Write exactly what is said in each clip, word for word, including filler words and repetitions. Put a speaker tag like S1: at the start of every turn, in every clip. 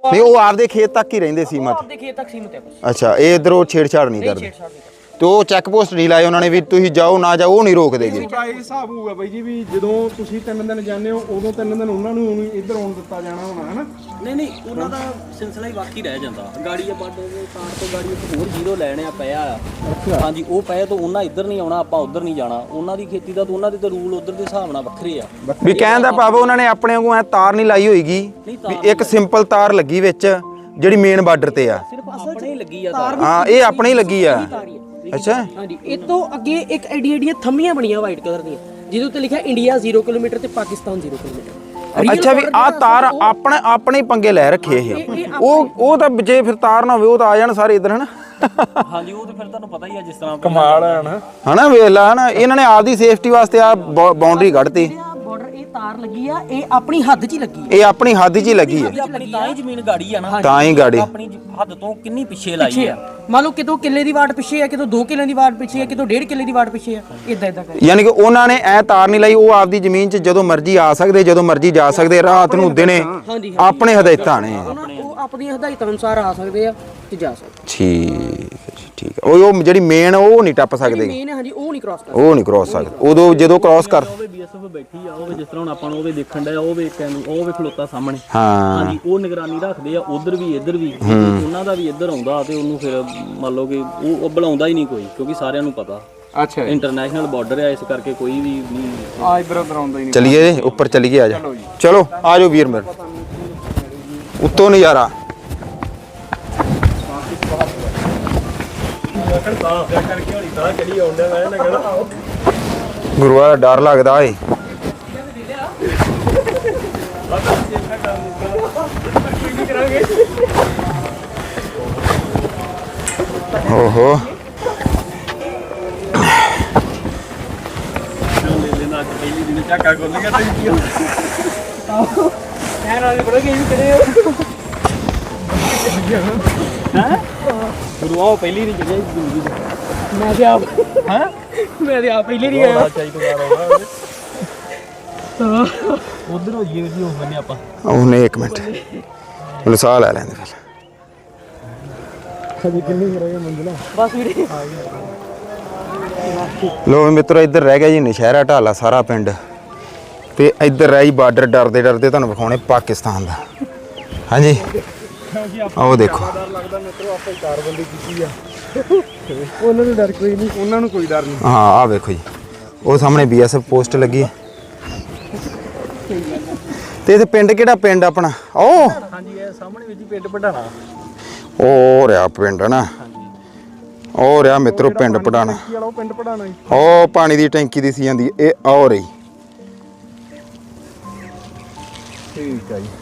S1: नहीं वो आपदे खेत तक ही रहिंदे सी मत
S2: आपदे खेत तक सीमित है बस।
S1: अच्छा ये इधर वो छेड़छाड़ नहीं करते तो चैक पोस्ट नहीं लाए उन्होंने भी तुम जाओ ना जाओ वो नहीं रोक देंगे
S3: ਤੁਹਾਡਾ ਇਹ ਹਿਸਾਬ ਹੋਊਗਾ ਬਾਈ ਜੀ ਵੀ ਜਦੋਂ ਤੁਸੀਂ ਤਿੰਨ ਦਿਨ ਜਾਂਦੇ ਹੋ ਉਦੋਂ ਤਿੰਨ ਦਿਨ ਉਹਨਾਂ ਨੂੰ ਇੱਧਰ ਆਉਣ ਦਿੱਤਾ ਜਾਣਾ ਹੋਣਾ ਹੈ ਨਾ
S2: ਨਹੀਂ ਨਹੀਂ ਉਹਨਾਂ ਦਾ ਸਿਲਸਿਲਾ ਹੀ ਬਾਕੀ ਰਹਿ ਜਾਂਦਾ ਗਾੜੀ ਆ ਬਾਡੇ ਦੇ ਕਾਰ ਤੋਂ ਗਾੜੀ ਇੱਕ ਹੋਰ ਜ਼ੀਰੋ ਲੈਣੇ ਆ ਪਿਆ ਆ ਹਾਂਜੀ ਉਹ ਪਏ ਤਾਂ ਉਹਨਾਂ ਇੱਧਰ ਨਹੀਂ ਆਉਣਾ ਆਪਾਂ ਉੱਧਰ ਨਹੀਂ ਜਾਣਾ ਉਹਨਾਂ ਦੀ ਖੇਤੀ ਦਾ ਤਾਂ ਉਹਨਾਂ ਦੇ ਤਾਂ ਰੂਲ ਉੱਧਰ ਦੇ ਹਿਸਾਬ ਨਾਲ ਵੱਖਰੇ ਆ
S1: ਵੀ ਕਹਿਣ ਦਾ ਭਾਵ ਉਹਨਾਂ ਨੇ ਆਪਣੇ ਵਾਂਗੂ ਐ ਤਾਰ ਨਹੀਂ ਲਾਈ ਹੋਏਗੀ ਵੀ ਇੱਕ ਸਿੰਪਲ ਤਾਰ ਲੱਗੀ ਵਿੱਚ ਜਿਹੜੀ ਮੇਨ ਬਾਰਡਰ ਤੇ ਆ
S2: ਸਿਰਫ ਆਪਣੇ ਹੀ ਲੱਗੀ ਆ ਤਾਰ
S1: ਹਾਂ ਇਹ ਆਪਣੇ ਹੀ ਲੱਗੀ ਆ ਅੱਛਾ
S2: ਹਾਂਜੀ ਇਹ ਤੋਂ ਅੱਗੇ ਇੱਕ ਐਡੀ ਐਡੀਆਂ ਥੰਮੀਆਂ ਬਣੀਆਂ ਵਾਈਟ ਕਲਰ ਦੀਆਂ ਜਿਹਦੇ ਉੱਤੇ ਲਿਖਿਆ ਇੰਡੀਆ ਜ਼ੀਰੋ ਕਿਲੋਮੀਟਰ ਤੇ ਪਾਕਿਸਤਾਨ ਜ਼ੀਰੋ ਕਿਲੋਮੀਟਰ
S1: ਅੱਛਾ ਵੀ ਆ ਤਾਰ ਆਪਣੇ ਆਪਣੇ ਹੀ ਪੰਗੇ ਲੈ ਰੱਖੇ ਇਹ ਉਹ ਉਹ ਤਾਂ ਜੇ ਫਿਰ ਤਾਰ ਨਾ ਹੋਵੇ ਉਹ ਤਾਂ ਆ ਜਾਣ ਸਾਰੇ ਇਧਰ ਹਨਾ
S2: ਹਾਂਜੀ ਉਹ ਤੇ ਫਿਰ ਤੁਹਾਨੂੰ ਪਤਾ ਹੀ ਆ ਜਿਸ ਤਰ੍ਹਾਂ
S3: ਕਮਾਲ ਹੈ ਨਾ
S1: ਹਨਾ ਵੇਲਾ ਹਨਾ ਇਹਨਾਂ ਨੇ ਆਪਦੀ ਸੇਫਟੀ ਵਾਸਤੇ ਆ ਬਾਉਂਡਰੀ ਕੱਢਤੀ
S2: ਬਾਰਡਰ ਇਹ ਤਾਰ ਲੱਗੀ ਆ ਇਹ ਆਪਣੀ ਹੱਦ 'ਚ ਹੀ ਲੱਗੀ
S1: ਇਹ ਆਪਣੀ ਹੱਦ 'ਚ ਹੀ ਲੱਗੀ ਹੈ
S2: ਆਪਣੀ ਤਾਂ ਹੀ ਜ਼ਮੀਨ ਗਾੜੀ ਆ ਨਾ
S1: ਤਾਂ ਹੀ ਗਾੜੀ
S2: ਆਪਣੀ ਹੱਦ ਤੋਂ ਕਿੰਨੀ ਪਿੱਛੇ ਲਾਈ ਆ ਮੰਨ ਲਓ ਕਿਤੋਂ ਕਿੱਲੇ ਦੀ ਵਾਟ ਪਿੱਛੇ ਆ ਕਿਤੋਂ ਦੋ ਕਿੱਲੇ ਦੀ ਵਾਟ ਪਿੱਛੇ ਆ ਕਿਤੋਂ ਡੇਢ ਕਿੱਲੇ ਦੀ ਵਾਟ ਪਿੱਛੇ ਆ ਇਦਾਂ ਇਦਾਂ ਕਰ
S1: ਯਾਨੀ ਕਿ ਉਹਨਾਂ ਨੇ ਐ ਤਾਰ ਨਹੀਂ ਲਾਈ ਉਹ ਆਪਦੀ ਜ਼ਮੀਨ 'ਚ ਜਦੋਂ ਮਰਜ਼ੀ ਆ ਸਕਦੇ ਜਦੋਂ ਮਰਜ਼ੀ ਜਾ ਸਕਦੇ ਰਾਤ ਨੂੰ ਦਿਨੇ ਆਪਣੇ ਹਦਾਇਤਾਂ ਨੇ
S2: ਉਹ ਆਪਣੀਆਂ ਹਦਾਇਤਾਂ ਅਨੁਸਾਰ ਆ ਸਕਦੇ ਆ ਤੇ ਜਾ ਸਕਦੇ
S1: ਠੀਕ ਠੀਕ ਉਹ ਉਹ ਜਿਹੜੀ ਮੇਨ ਉਹ ਨਹੀਂ ਟੱਪ ਸਕਦੇ
S2: ਮੇਨ ਹਾਂਜੀ ਉਹ ਨਹੀਂ ਕ੍ਰਾਸ ਕਰ
S1: ਉਹ ਨਹੀਂ ਕ੍ਰਾਸ ਸਕਦੇ ਉਦੋਂ ਜਦੋਂ ਕ੍ਰਾਸ ਕਰ
S2: ਉਹ ਵੀ ਬੀਐਸਐਫ ਬੈਠੀ ਆ ਉਹ ਵੀ ਜਿਸ ਤਰ੍ਹਾਂ ਹੁਣ ਆਪਾਂ ਨੂੰ ਉਹ ਵੀ ਦੇਖਣ ਦਾ ਉਹ ਵੀ ਉਹ ਵੀ ਖਲੋਤਾ ਸਾਹਮਣੇ
S1: ਹਾਂ
S2: ਹਾਂਜੀ ਉਹ ਨਿਗਰਾਨੀ ਰੱਖਦੇ ਆ ਉਧਰ ਵੀ ਇੱਧਰ ਵੀ ਉਹਨਾਂ ਦਾ ਵੀ ਇੱਧਰ ਆਉਂਦਾ ਤੇ ਉਹਨੂੰ ਫਿਰ ਮੰਨ ਲਓ ਕਿ ਉਹ ਬੁਲਾਉਂਦਾ ਹੀ ਨਹੀਂ ਕੋਈ ਕਿਉਂਕਿ ਸਾਰਿਆਂ ਨੂੰ ਪਤਾ
S3: ਅੱਛਾ
S2: ਇੰਟਰਨੈਸ਼ਨਲ ਬਾਰਡਰ ਹੈ ਇਸ ਕਰਕੇ ਕੋਈ ਵੀ ਨਹੀਂ
S3: ਆ ਇੱਧਰ ਉੱਧਰ ਆਉਂਦਾ ਹੀ ਨਹੀਂ
S1: ਚਲਿਏ ਉੱਪਰ ਚਲੀਏ ਆ ਜਾ ਚਲੋ ਆ ਜਾਓ ਵੀਰ ਮੇਰੇ ਉੱਤੋਂ ਨਜ਼ਾਰਾ ਗੁਰੂਆ ਦਾ ਡਰ ਲੱਗਦਾ ਏ ਓਹੋ
S3: ਪਹਿਲੀ ਦਿਨ ਝਾਕਾ ਖੁੱਲ ਗਿਆ ਤੇ
S2: ਯਾਰ ਆਲੇ ਬੜਾ ਗੇਮ ਕਰੇ ਹਾਂ ਗੁਰੂਆ ਪਹਿਲੀ ਨਹੀਂ ਜਿਹੜੇ ਜ਼ਿੰਦਗੀ ਚ ਮੈਂ ਤੇ ਆਪ ਹਾਂ ਮੈਂ ਤੇ ਆਪ ਪਹਿਲੀ ਨਹੀਂ ਗਿਆ ਚਾਹੀ ਤੋਂ ਬਾਹਰ ਆਉਣਾ ਉਧਰ ਹੋ ਜੀ ਜੀ ਹੋ ਬੰਨੇ ਆਪਾਂ
S1: ਉਹਨੇ ਇੱਕ ਮਿੰਟ ਮੈਨੂੰ ਸਾਹ ਲੈ ਲੈਂਦੇ ਫਿਰ
S3: ਅਜੇ ਕਿੰਨੀ ਰਹਿ ਗਈ ਮੰਜ਼ਿਲਾ
S2: ਬਸ ਵੀਰੇ
S1: ਲੋ ਮਿੱਤਰੋ ਇੱਧਰ ਰਹਿ ਗਿਆ ਜੀ ਨਸ਼ਹਿਰਾ ਢਾਲਾ ਸਾਰਾ ਪਿੰਡ ਤੇ ਇੱਧਰ ਰਹਿ ਜੀ ਬਾਰਡਰ ਡਰਦੇ ਡਰਦੇ ਤੁਹਾਨੂੰ ਵਿਖਾਉਣੇ ਪਾਕਿਸਤਾਨ ਦਾ ਹਾਂਜੀ ਆਓ ਦੇਖੋ
S3: ਡਰ ਲੱਗਦਾ ਮਿੱਤਰੋ ਆਪਾਂ ਚਾਰ ਬੰਦੇ ਕੀਤੀ ਆ ਉਹਨਾਂ ਨੂੰ ਡਰ ਕੋਈ ਨਹੀਂ ਉਹਨਾਂ ਨੂੰ ਕੋਈ ਡਰ ਨਹੀਂ
S1: ਹਾਂ ਆ ਵੇਖੋ ਜੀ ਉਹ ਸਾਹਮਣੇ ਬੀਐਸਐਫ ਪੋਸਟ ਲੱਗੀ ਤੇ ਇਹ ਪਿੰਡ ਕਿਹੜਾ ਪਿੰਡ ਆਪਣਾ ਉਹ
S2: ਹਾਂਜੀ ਇਹ ਸਾਹਮਣੇ ਵਿੱਚ ਹੀ ਪਿੰਡ ਪੜਾਣਾ
S1: ਉਹ ਰਿਹਾ ਪਿੰਡ ਨਾ ਉਹ ਰਿਹਾ ਮਿੱਤਰੋ ਪਿੰਡ ਪੜਾਣਾ
S3: ਉਹ ਪਿੰਡ ਪੜਾਣਾ
S1: ਉਹ ਪਾਣੀ ਦੀ ਟੈਂਕੀ ਦੀ ਸੀ ਜਾਂਦੀ ਇਹ ਆ ਰਹੀ
S3: ਠੀਕ ਆ ਜੀ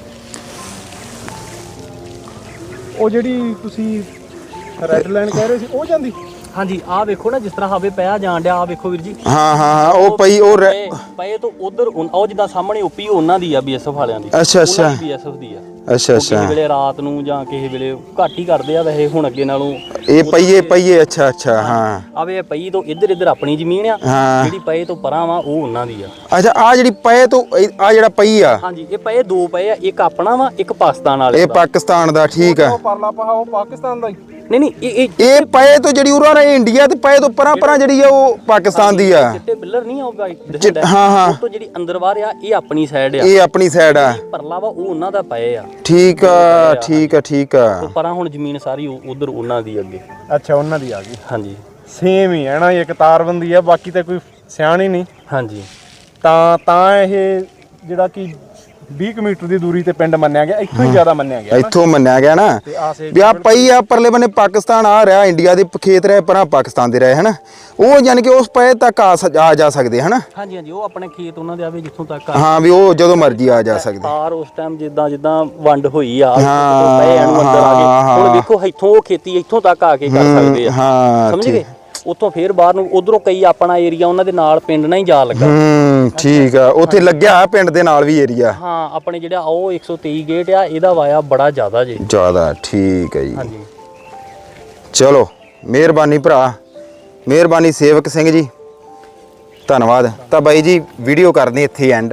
S3: ਉਹ ਜਿਹੜੀ ਤੁਸੀਂ ਰੈੱਡ ਲਾਈਨ ਕਹਿ ਰਹੇ ਸੀ ਉਹ ਜਾਂਦੀ
S2: ਹਾਂਜੀ ਆਹ ਵੇਖੋ ਨਾ ਜਿਸ ਤਰ੍ਹਾਂ ਹਵੇ ਪਿਆ ਜਾਣ ਡਿਆ ਆਹ ਵੇਖੋ ਵੀਰ ਜੀ
S1: ਹਾਂ ਹਾਂ ਹਾਂ ਉਹ ਪਈ ਉਹ ਰਹਿ-
S2: ਪਏ ਤੋਂ ਉਧਰ ਉਹ ਜਿੱਦਾਂ ਸਾਹਮਣੇ ਓਪੀ ਉਹਨਾਂ ਦੀ ਆ ਬੀਐਸਐਫ ਵਾਲਿਆਂ ਦੀ
S1: ਅੱਛਾ ਅੱਛਾ
S2: ਬੀਐਸਐਫ ਦੀ ਆ
S1: ਅੱਛਾ
S2: ਉਹ
S1: ਅੱਛਾ
S2: ਕਿਸੇ ਵੇਲੇ ਰਾਤ ਨੂੰ ਜਾਂ ਕਿਸੇ ਵੇਲੇ ਘੱਟ ਹੀ ਕਰਦੇ ਆ ਵੈਸੇ ਹੁਣ ਅੱਗੇ ਨਾਲੋਂ
S1: ਇਹ ਪਈਏ ਪਈਏ ਅੱਛਾ ਅੱਛਾ ਹਾਂ
S2: ਆਵੇ ਪਈ ਤੋਂ ਇੱਧਰ ਇੱਧਰ ਆਪਣੀ ਜ਼ਮੀਨ ਆ
S1: ਹਾਂ
S2: ਜਿਹੜੀ ਪਏ ਤੋਂ ਪਰਾਂ ਵਾ ਉਹ ਉਹਨਾਂ ਦੀ ਆ
S1: ਅੱਛਾ ਆ ਜਿਹੜੀ ਪਏ ਤੋਂ ਆ ਜਿਹੜਾ ਪਈ ਆ
S2: ਹਾਂਜੀ ਇਹ ਪਏ ਦੋ ਪਏ ਆ ਇੱਕ ਆਪਣਾ ਵਾ ਇੱਕ ਪਾਕਿਸਤਾਨ ਵਾਲੇ
S1: ਇਹ ਪਾਕਿਸਤਾਨ ਦਾ ਠੀਕ ਆ
S3: ਉਹ ਪਰਲਾ ਪਹਾ ਉਹ ਪਾਕਿਸਤਾਨ ਦਾ ਹੀ
S2: ਨਹੀਂ ਨਹੀਂ ਇਹ ਇਹ
S1: ਇਹ ਪਏ ਤੋਂ ਜਿਹੜੀ ਉਰਾਂ ਇਹ ਇੰਡੀਆ ਤੇ ਪਏ ਤੋਂ ਪਰਾਂ ਪਰਾਂ ਜਿਹੜੀ ਆ ਉਹ ਪਾਕਿਸਤਾਨ ਦੀ ਆ
S2: ਚਿੱਟੇ ਬਿੱਲਰ ਨਹੀਂ ਆ ਉਹ
S1: ਚਿੱਟ- ਹਾਂ ਹਾਂ
S2: ਉਹ ਤੋਂ ਜਿਹੜੀ ਅੰਦਰ ਬਾਹਰ ਆ ਇਹ ਆਪਣੀ ਸਾਈਡ ਆ
S1: ਇਹ ਆਪਣੀ ਸਾਈਡ ਆ
S2: ਪਰਲਾ ਵਾ ਉਹ ਉਹਨਾਂ ਦਾ ਪਏ ਆ
S1: ਠੀਕ ਆ ਠੀਕ ਆ ਠੀਕ ਆ
S2: ਉਹ ਪਰਾਂ ਹੁਣ ਜ਼ਮੀਨ ਸਾਰੀ ਉਧਰ ਉਹਨਾਂ ਦੀ ਅੱਗੇ
S3: ਅੱਛਾ ਉਹਨਾਂ ਦੀ ਆ ਗਈ
S2: ਹਾਂਜੀ
S3: ਸੇਮ ਹੀ ਹੈ ਨਾ ਇੱਕ ਤਾਰਬੰਦੀ ਆ ਬਾਕੀ ਤਾਂ ਕੋਈ ਸਿਆਣੀ ਨਹੀਂ
S2: ਹਾਂਜੀ
S3: ਤਾਂ ਤਾਂ ਇਹ ਜਿਹੜਾ ਕਿ ਵੀਹ ਮੀਟਰ ਦੀ ਦੂਰੀ ਤੇ ਪਿੰਡ ਮੰਨਿਆ ਗਿਆ ਇੱਥੋਂ ਹੀ ਜ਼ਿਆਦਾ ਮੰਨਿਆ ਗਿਆ
S1: ਇੱਥੋਂ ਮੰਨਿਆ ਗਿਆ ਨਾ ਵੀ ਆ ਪਈ ਆ ਪਰਲੇ ਬੰਨੇ ਪਾਕਿਸਤਾਨ ਆ ਰਿਹਾ ਇੰਡੀਆ ਦੇ ਖੇਤ ਰਹੇ ਪਰਾਂ ਪਾਕਿਸਤਾਨ ਦੇ ਰਹੇ ਹਨਾ ਉਹ ਯਾਨੀ ਕਿ ਉਸ ਪਏ ਤੱਕ ਆ ਆ ਜਾ ਸਕਦੇ ਹਨਾ
S2: ਹਾਂਜੀ ਹਾਂਜੀ ਉਹ ਆਪਣੇ ਖੇਤ ਉਹਨਾਂ ਦੇ ਆਵੇ ਜਿੱਥੋਂ ਤੱਕ ਆ
S1: ਹਾਂ ਵੀ ਉਹ ਜਦੋਂ ਮਰਜ਼ੀ ਆ ਜਾ ਸਕਦੇ
S2: ਤਾਰ ਉਸ ਟਾਈਮ ਜਿੱਦਾਂ ਜਿੱਦਾਂ ਵੰਡ ਹੋਈ ਆ
S1: ਹਾਂ,
S2: ਪਏ ਨੂੰ ਅੰਦਰ ਆ
S1: ਹਾਂ,
S2: ਗਏ ਹੁਣ ਵੇਖੋ ਇੱਥੋਂ ਉਹ ਖੇਤੀ ਇੱਥੋਂ ਤੱਕ ਆ ਕੇ ਕਰ ਸਕਦੇ ਆ
S1: ਹਾਂ
S2: ਸਮਝ ਗਏ ਉੱਥੋਂ ਫੇਰ ਬਾਹਰ ਨੂੰ ਉਧਰੋਂ ਕਈ ਆਪਣਾ ਏਰੀਆ ਉਹਨਾਂ ਦੇ ਨਾਲ ਪਿੰਡ ਨਾਲ ਹੀ ਜਾ ਲੱਗਾ
S1: ਹੂੰ ਠੀਕ ਆ ਉੱਥੇ ਲੱਗਿਆ ਪਿੰਡ ਦੇ ਨਾਲ ਵੀ ਏਰੀਆ
S2: ਹਾਂ ਆਪਣੇ ਜਿਹੜਾ ਉਹ ਇੱਕ ਸੌ ਤੇਈ ਗੇਟ ਆ ਇਹਦਾ ਵਾਇਆ ਬੜਾ ਜ਼ਿਆਦਾ ਜੀ
S1: ਜ਼ਿਆਦਾ ਠੀਕ ਹੈ ਜੀ
S2: ਹਾਂਜੀ
S1: ਚਲੋ ਮਿਹਰਬਾਨੀ ਭਰਾ ਮਿਹਰਬਾਨੀ ਸੇਵਕ ਸਿੰਘ ਜੀ ਧੰਨਵਾਦ ਤਾਂ ਬਾਈ ਜੀ ਵੀਡੀਓ ਕਰਨੀ ਇੱਥੇ ਐਂਡ